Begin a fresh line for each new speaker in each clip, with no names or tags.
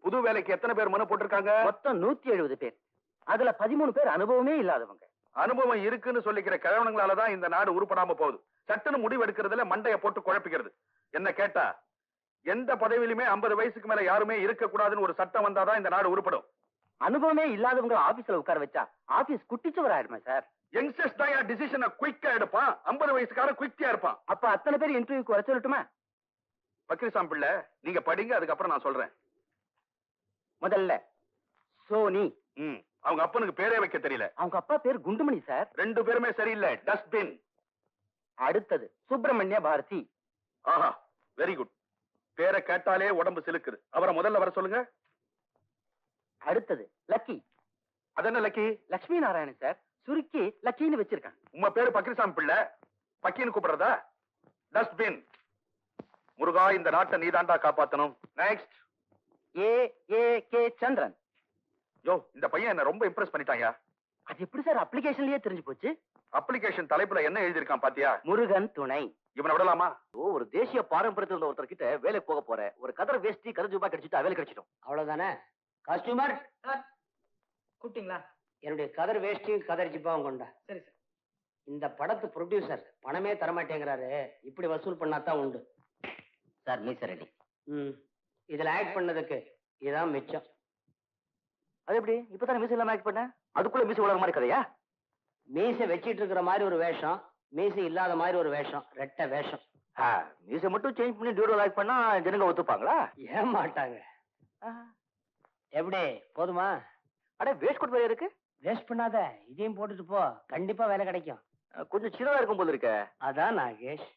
புது வேலைக்கு எத்தனை பேர் மனு போட்டிருக்காங்க?
மொத்தம் 170 பேர். அதுல 13 பேர் அனுபவமே இல்லாதவங்க.
அனுபவம் இருக்குன்னு சொல்லிக்கிற கிழவனுங்களாலதான் இந்த நாடு உருப்படாம போகுது. சட்டுன்னு முடிவு எடுக்கிறதுல மண்டைய போட்டு குழப்பிக்கிறது. என்ன கேட்டா எந்த பதவியிலுமே 50 வயசுக்கு மேல யாருமே இருக்க கூடாதுன்னு ஒரு சட்டம் வந்தாதான் இந்த நாடு உருப்படும்.
அனுபவமே இல்லாதவங்க ஆபீஸ்ல உட்கார வச்சா ஆபீஸ் குட்டிச்சுவர் ஆயிடுமா சார்?
யங்ஸ்டர்ஸ் தான் டிசிஷனை குயிக்கா எடுப்பான். 50 வயசுக்காரன் குயிக்கா இருப்பான்.
அப்ப அத்தனை பேர் இன்டர்வியூக்கு வர சொல்லட்டுமா?
பக்ரிசாம் பிள்ளை, நீங்க படிங்க, அதுக்கப்புறம் நான் சொல்றேன்.
முதல்ல சோனி.
அவங்க அப்பனுக்கு பேரே வைக்க தெரியல.
அவங்க அப்பா பேர் குண்டுமணி சார்.
2 பேருமே சரியில்லை. டஸ்ட்பின்.
அடுத்தது சுப்பிரமணிய பாரதி.
ஆஹா, வெரி குட். பேரை கேட்டாலே உடம்பு சிலுக்குது. அவரை முதல்ல வர சொல்லுங்க.
அடுத்தது லக்கி.
அது என்ன லக்கி?
லட்சுமி நாராயணன் சார், சுருக்கி லக்கின்னு வச்சிருக்காங்க.
உங்க பேரு பக்ரிசாமி பிள்ளை, பக்கின்னு கூப்பிடுறதா? டஸ்ட்பின். முருகா, இந்த நாட்டை நீதாண்டா காப்பாத்தணும். நெக்ஸ்ட்.
கே சந்திரன்.
யோ, இந்த பையன் என்ன ரொம்ப இம்ப்ரெஸ் பண்ணிட்டாங்க.
அது எப்படி சார் அப்ளிகேஷன்லயே தெரிஞ்சு போச்சு?
அப்ளிகேஷன் தலைப்புல என்ன எழுதிருக்கான் பாத்தியா?
முருகன் துணை.
இவனை விடலாமா?
ஒரு தேசிய பாரம்பரியத்தில் ஒருத்தர் கிட்ட வேலைக்கு போக போற, ஒரு கதர் வேஷ்டி கதர் கிடைச்சிட்டா வேலை கிடைச்சிடும். அவ்வளவுதானே? காஸ்டியூமர்
கூப்பிட்டீங்களா?
என்னுடைய கதர் வேஷ்டியும் கதர் ஜிப்பாவும் கொண்டா.
சரி சார்.
இந்த படத்து ப்ரொடியூசர் பணமே தரமாட்டேங்கிறாரு, இப்படி வசூல் பண்ணாதான் உண்டு. சார் மீச ரெடி. இதுல ஆக்ட் பண்ணதுக்கு இதான் மிச்சம். அது எப்படி இப்பதானே மீச இல்லாம ஆக்ட் பண்ண? அதுக்குள்ள மீச உலக மாதிரி கதையா? மீச வச்சிட்டு இருக்கிற மாதிரி ஒரு வேஷம், மீச இல்லாத மாதிரி ஒரு வேஷம், ரெட்டை வேஷம். மீச மட்டும் சேஞ்ச் பண்ணி டியூரல் ஆக்ட் பண்ணா ஜனங்க ஒத்துப்பாங்களா? ஏன் மாட்டாங்க. எப்படி போதுமா? அட வேஸ்ட் கோட் வேற இருக்கு. வேஸ்ட் பண்ணாத, இதையும் போட்டுட்டு போ, கண்டிப்பா வேலை கிடைக்கும். கொஞ்சம் சின்னதா இருக்கும் போது இருக்க. அதான் நாகேஷ்.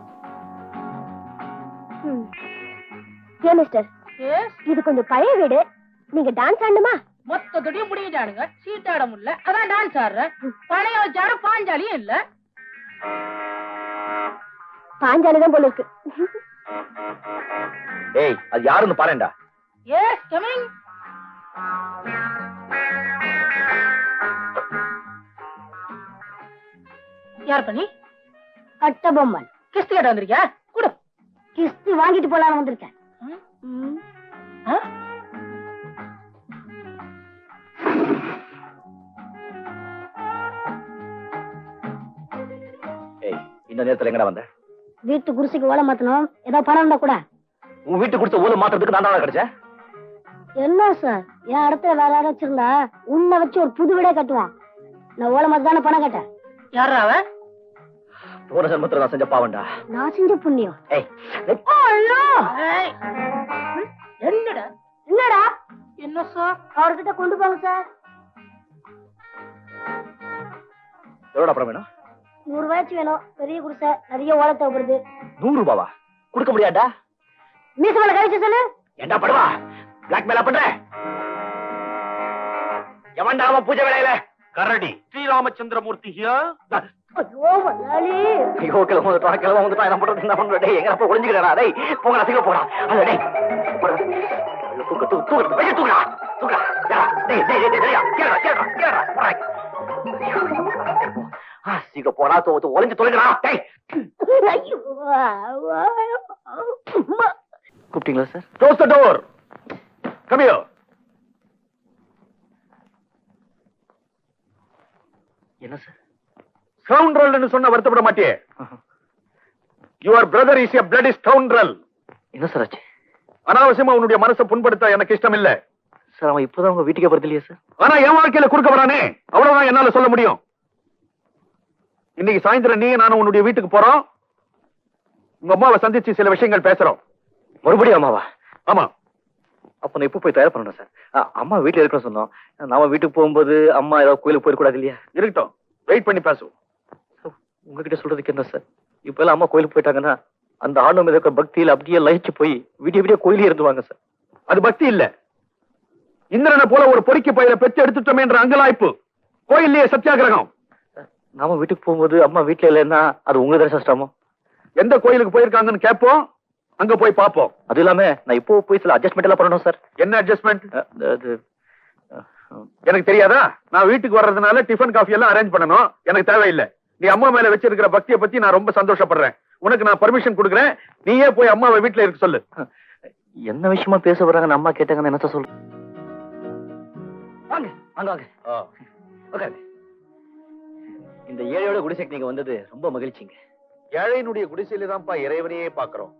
ஏன் மிஸ்டர், இது கொஞ்சம் பழைய வீடு, நீங்க டான்ஸ் ஆடணுமா?
மொத்தத்தையும் முடிஞ்சானுங்க, சீட்டாட முடியல, அதான் டான்ஸ் ஆடுறேன். பழைய வச்சாட பாஞ்சாலியும் இல்ல.
பாஞ்சாலிதான் போல இருக்கு.
ஏய், அது யாருன்னு பாருடா.
Yes coming. யார் பண்ணி?
கட்டபொம்மன்.
கிஸ்து கேட்ட வந்திருக்கியா? குடு.
கிஸ்து வாங்கிட்டு போலாம் வந்திருக்கேன்.
இந்த நேரத்துல எங்கடா வந்த?
வீட்டு குடிசைக்கு ஓலை மாத்தணும், ஏதாவது பணம் இருந்தா கூட.
உன் வீட்டு குடிசை ஓலை மாத்துறதுக்கு நான் தான் கிடைச்சேன்.
என்ன சார், என் இடத்துல வேற யாரும் வச்சிருந்தா உன்னை வச்சு ஒரு புது வீடே கட்டுவான். நான் ஓலை மாத்த தானே பணம் கேட்டேன்.
யாரா அவன்?
போன ஜென்மத்துல நான் செஞ்ச பாவண்டா.
நான் செஞ்ச புண்ணியம்.
என்னடா
என்னடா?
என்ன சார்?
அவர்கிட்ட கொண்டு போங்க சார்.
எவ்வளவு அப்புறம் வேணும்?
100 ரூபாய்க்கு வேணும். பெரிய குடிசை, நிறைய ஓலை தேவைப்படுது.
100 ரூபாவா? கொடுக்க முடியாதா?
மீச மேல கழிச்சு சொல்லு.
என்ன பண்ணுவா? பிளாக் மேல பண்ற? எவன்டா அவன் பூஜை வேலையில?
கரடி ஸ்ரீராமச்சந்திரமூர்த்தி ஹியர்.
ஐயோ வல்லாளி.
ஐயோ கிளம்ப வந்துட்டா, கிளம்ப வந்துட்டா. என்ன பண்றது, என்ன பண்றது? டேய், எங்க அப்பா ஒளிஞ்சுக்கிறா? டேய் போங்கடா, சீக்கிரம் போடா. அல்ல டேய் தூக்கு தூக்கு தூக்கு வெளிய தூக்குடா, தூக்குடா. டேய் டேய் டேய் டேய் கேளடா கேளடா கேளடா. சீக்கிரம் போடா, ஒளிஞ்சு தொலைங்கடா. டேய்
ஐயோ
கூப்பிட்டீங்களா sir?
Close the door. Come here.
என்ன சார்?
ஸ்கவுண்ட்ரல்னு சொன்ன வருத்தப்பட மாட்டியே? Your brother is a bloody scoundrel.
என்ன சார் ஆச்சு?
அனாவசியமா உன்னுடைய மனசை புண்படுத்த எனக்கு இஷ்டம் இல்ல
சார். அவன் இப்பதான் உங்க வீட்டுக்கே வருது இல்லையா சார்?
ஆனா என் வாழ்க்கையில குறுக்க வரானே, அவ்வளவுதான் என்னால சொல்ல முடியும். இன்னைக்கு சாயந்தரம் நீ நானும் உன்னுடைய வீட்டுக்கு போறோம். உங்க அம்மாவை சந்திச்சு சில விஷயங்கள் பேசுறோம்.
மறுபடியும் அம்மாவா?
ஆமா.
அப்ப நான் இப்ப போய் தயார் பண்ணணும் சார். அம்மா வீட்டுல இருக்கணும் சொன்னோம். நாம வீட்டுக்கு போகும்போது அம்மா ஏதாவது கோயிலுக்கு போயிடக்கூடாது இல்லையா?
இருக்கட்டும், வெயிட் பண்ணி பேசுவோம்.
உங்ககிட்ட சொல்றதுக்கு என்ன சார்? இப்ப எல்லாம் அம்மா கோயிலுக்கு போயிட்டாங்கன்னா அந்த ஆணவம் இருக்கிற பக்தியில அப்படியே லயிச்சு போய் விடிய விடிய கோயிலே இருந்துவாங்க சார்.
அது பக்தி இல்ல. இந்திரனை போல ஒரு பொறுக்கி பயில பெற்று எடுத்துட்டோமே என்ற அங்கலாய்ப்பு. கோயிலே சத்தியாகிரகம்.
நாம வீட்டுக்கு போகும்போது அம்மா வீட்டுல இல்லைன்னா அது உங்க தானே சிரமம்.
எந்த கோயிலுக்கு போயிருக்காங்கன்னு கேட்போம், அங்க போய் பார்ப்போம்.
அது இல்லாம நான் இப்போ போய் சில அட்ஜஸ்ட்மெண்ட் எல்லாம் பண்ணணும் சார்.
என்ன அட்ஜஸ்ட்மெண்ட்? எனக்கு தெரியாதா? நான் வீட்டுக்கு வர்றதுனால டிஃபன் காஃபி எல்லாம் அரேஞ்ச் பண்ணணும். எனக்கு தேவையில்லை. நீ அம்மா மேல வச்சிருக்கிற பக்தியை பத்தி நான் ரொம்ப சந்தோஷப்படுறேன். உனக்கு நான் பர்மிஷன் கொடுக்குறேன். நீயே போய் அம்மாவை வீட்டுல இருக்க சொல்லு.
என்ன விஷயமா பேச வர்றாங்கன்னு அம்மா கேட்டாங்கன்னு என்ன சொல்ற? வாங்க வாங்க வாங்க உட்காருங்க. இந்த ஏழையோட குடிசைக்கு நீங்க வந்தது ரொம்ப மகிழ்ச்சிங்க.
ஏழையினுடைய குடிசையில தான்ப்பா இறைவனையே பாக்குறோம்.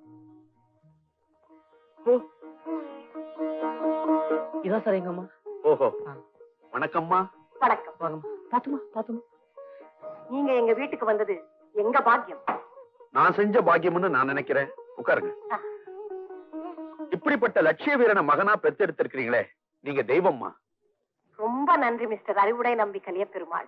இதான் சார் எங்க அம்மா.
ஓஹோ, வணக்கம்மா.
வணக்கம்.
வாங்கம்மா. பாத்துமா பாத்துமா.
நீங்க எங்க வீட்டுக்கு வந்தது எங்க பாக்கியம்.
நான் செஞ்ச பாக்கியம்னு நான் நினைக்கிறேன். உட்காருங்க. இப்படிப்பட்ட லட்சிய வீரனை மகனா பெத்தெடுத்திருக்கிறீங்களே, நீங்க தெய்வம்மா.
ரொம்ப நன்றி மிஸ்டர் அறிவுடை நம்பி கலிய பெருமாள்.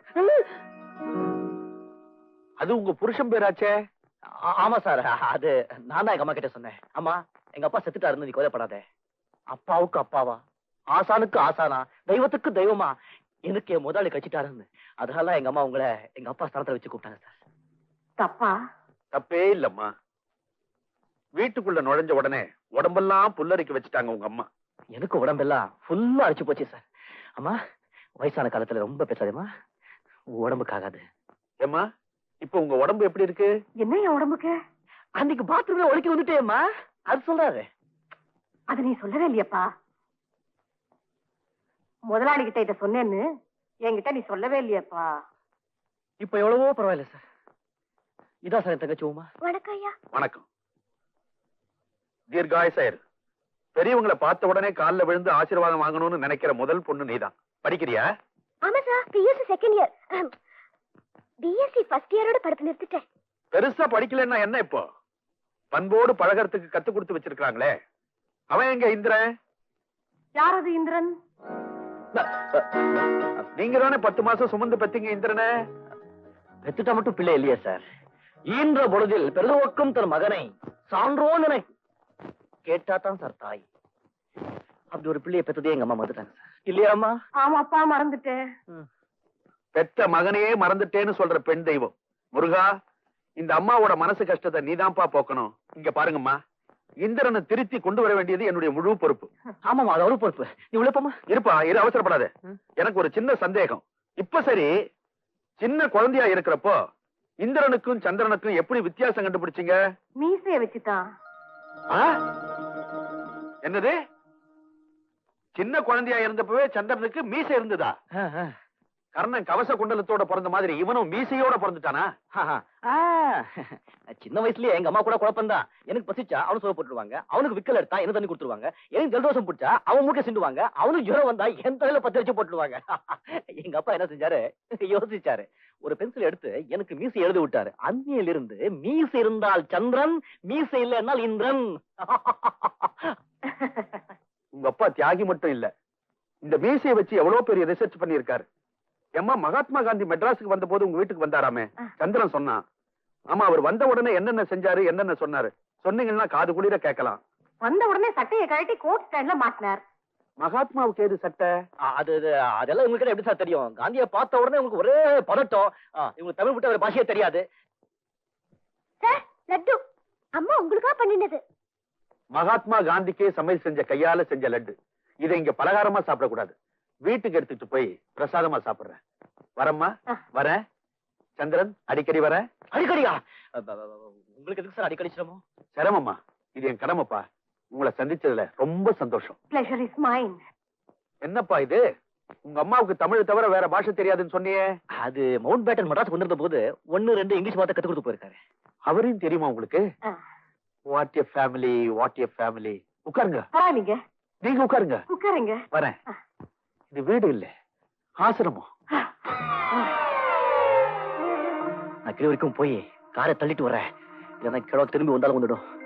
அது உங்க புருஷன் பேராச்சே?
ஆமா சார், அது நான் தான் எங்க அம்மா கிட்ட சொன்னேன். அம்மா, எங்க அப்பா செத்துட்டாருன்னு நீ கோதைப்படாத. அப்பாவுக்கு அப்பாவா, ஆசானுக்கு ஆசானா, தெய்வத்துக்கு தெய்வமா எனக்கு என் முதலாளி கழிச்சிட்டாருன்னு. அதனால எங்க அம்மா உங்களை எங்க அப்பா ஸ்தலத்துல வச்சு கூப்பிட்டாங்க சார்.
தப்பா?
தப்பே இல்லம்மா. வீட்டுக்குள்ள நுழைஞ்ச உடனே உடம்பெல்லாம் புல்லரிக்க வச்சுட்டாங்க உங்க அம்மா.
எனக்கு உடம்பெல்லாம் ஃபுல்லா அடிச்சு போச்சு சார். அம்மா, வயசான காலத்துல ரொம்ப பேசாதேம்மா, உடம்புக்கு ஆகாது.
ஏம்மா, இப்ப உங்க உடம்பு எப்படி இருக்கு?
என்ன என் உடம்புக்கு?
அன்னைக்கு பாத்ரூம்ல ஒழுக்கி வந்துட்டேம்மா, அது சொல்றாரு.
அது நீ சொல்லவே இல்லையப்பா. முதலாளி கிட்ட இத சொன்னேன்னு என்கிட்ட நீ சொல்லவே இல்லையப்பா.
இப்ப எவ்வளவோ பரவாயில்ல சார். இதான் சார் என் தங்கச்சி உமா.
வணக்கம் ஐயா.
வணக்கம். தீர்காயசாயர். பெரியவங்களை பார்த்த உடனே காலில் விழுந்து ஆசீர்வாதம் வாங்கணும்னு நினைக்கிற முதல் பொண்ணு நீதான். படிக்கிறியா?
ஆமா sir, BSc second year. BSc first இயரோட படிப்பு நிறுத்திட்டேன்.
பெருசா படிக்கலன்னா என்ன இப்போ? பண்போடு பழகறதுக்கு கத்து கொடுத்து வச்சிருக்காங்களே, அவன் எங்க இந்திரன்?
யார் அது இந்திரன்?
நீங்க தானே 10 மாசம் சுமந்து பெத்தீங்க இந்திரனை.
பெத்துட்டா மட்டும் பிள்ளை இல்லையா சார்? ஈன்ற பொழுதில் பெருதுவக்கும் தன் மகனை சான்றோன் என கேட்டா தான் சார் தாய். அப்படி ஒரு பிள்ளையை பெத்ததே எங்க அம்மா மறந்துட்டாங்க சார். இல்லையாம்மா?
ஆமாப்பா, மறந்துட்டேன்.
பெத்த மகனையே மறந்துட்டேன்னு சொல்ற பெண் தெய்வம் முருகா, இந்த அம்மாவோட மனசு கஷ்டத்தை நீதான்ப்பா போக்கணும். இங்க பாருங்கம்மா, இந்திரனை திருத்தி கொண்டு வர வேண்டியது என்னுடைய முழு பொறுப்பு.
ஆமாமா, அது ஒரு பொறுப்பு. நீ உழைப்பமா
இருப்பா, இரு, அவசரப்படாத. எனக்கு ஒரு சின்ன சந்தேகம். இப்ப சரி, சின்ன குழந்தையா இருக்கிறப்போ இந்திரனுக்கும் சந்திரனுக்கும் எப்படி வித்தியாசம் கண்டுபிடிச்சீங்க?
மீசைய வச்சுதான்.
என்னது? சின்ன குழந்தையா இருந்தப்பவே சந்திரனுக்கு மீசை இருந்ததா? கர்ணன் கவச குண்டலத்தோட பிறந்த மாதிரி இவனும் மீசையோட பிறந்துட்டானா?
சின்ன வயசுலயே எங்க அம்மா கூட குழப்பம்தான். எனக்கு பசிச்சா அவனு சோறு போட்டுருவாங்க, அவனுக்கு விக்கல் எடுத்தா என்ன தண்ணி கொடுத்துருவாங்க, எனக்கு ஜலதோஷம் பிடிச்சா அவன் மூட்டை சிண்டுவாங்க, அவனுக்கு ஜுரம் வந்தா என் தலையில 10 வச்சு போட்டுருவாங்க. எங்க அப்பா என்ன செஞ்சாரு, யோசிச்சாரு. ஒரு பென்சில் எடுத்து எனக்கு மீசை எழுதி விட்டாரு. அந்நியில இருந்து மீசை இருந்தால் சந்திரன், மீசை இல்லைன்னா இந்திரன்.
உங்க அப்பா தியாகி மட்டும் இல்ல, இந்த மீசையை வச்சு எவ்வளவு பெரிய ரிசர்ச் பண்ணிருக்காரு. ஏம்மா, மகாத்மா காந்தி மெட்ராஸுக்கு வந்த போது உங்க வீட்டுக்கு வந்தாராமே, சந்திரன் சொன்னா. ஆமா, அவர் வந்த உடனே என்னென்ன செஞ்சாரு, என்னென்ன சொன்னாரு சொன்னீங்கன்னா காது குளிர கேட்கலாம்.
வந்த உடனே சட்டையை கழட்டி கோட் ஸ்டாண்ட்ல மாட்டினார்.
மகாத்மாவுக்கு ஏது சட்டை?
அதெல்லாம் உங்களுக்கு எப்படி சார் தெரியும்? காந்தியை பார்த்த உடனே உங்களுக்கு ஒரே பதட்டம். இவங்களுக்கு தமிழ் விட்டு ஒரு பாஷையே தெரியாது.
சார், லட்டு அம்மா உங்களுக்கா பண்ணினது.
மகாத்மா காந்திக்கே சமையல் செஞ்ச கையால செஞ்ச லட்டு. இதை இங்க பலகாரமா சாப்பிடக்கூடாது, வீட்டுக்கு எடுத்துட்டு போய் பிரசாதமா சாப்பிடுறேன். வரம்மா, வரேன். சந்திரன், அடிக்கடி வர.
அடிக்கடியா? உங்களுக்கு எதுக்கு சார் அடிக்கடி சிரமம்?
சிரமமா? இது என் கடமைப்பா. உங்களை சந்திச்சதுல ரொம்ப சந்தோஷம்.
Pleasure is mine.
என்னப்பா இது, உங்க அம்மாவுக்கு தமிழ் தவிர வேற பாஷை தெரியாதுன்னு சொன்னியே?
அது மவுண்ட் பேட்டன் மெட்ராஸ் கொண்டிருந்த போது 1-2 இங்கிலீஷ் வார்த்தை கத்து கொடுத்து போயிருக்காரு.
அவரையும் தெரியுமா உங்களுக்கு? What a family, what a family. உட்காருங்க.
நீங்க
நீங்க உட்காருங்க.
உட்காருங்க.
வரேன். இது வீடு இல்ல, ஆசிரமம்.
நான் கீழ வரைக்கும் போய் காரை தள்ளிட்டு வரேன். இல்லைன்னா கிழக்கு திரும்பி வந்தாலும் வந்துடும்.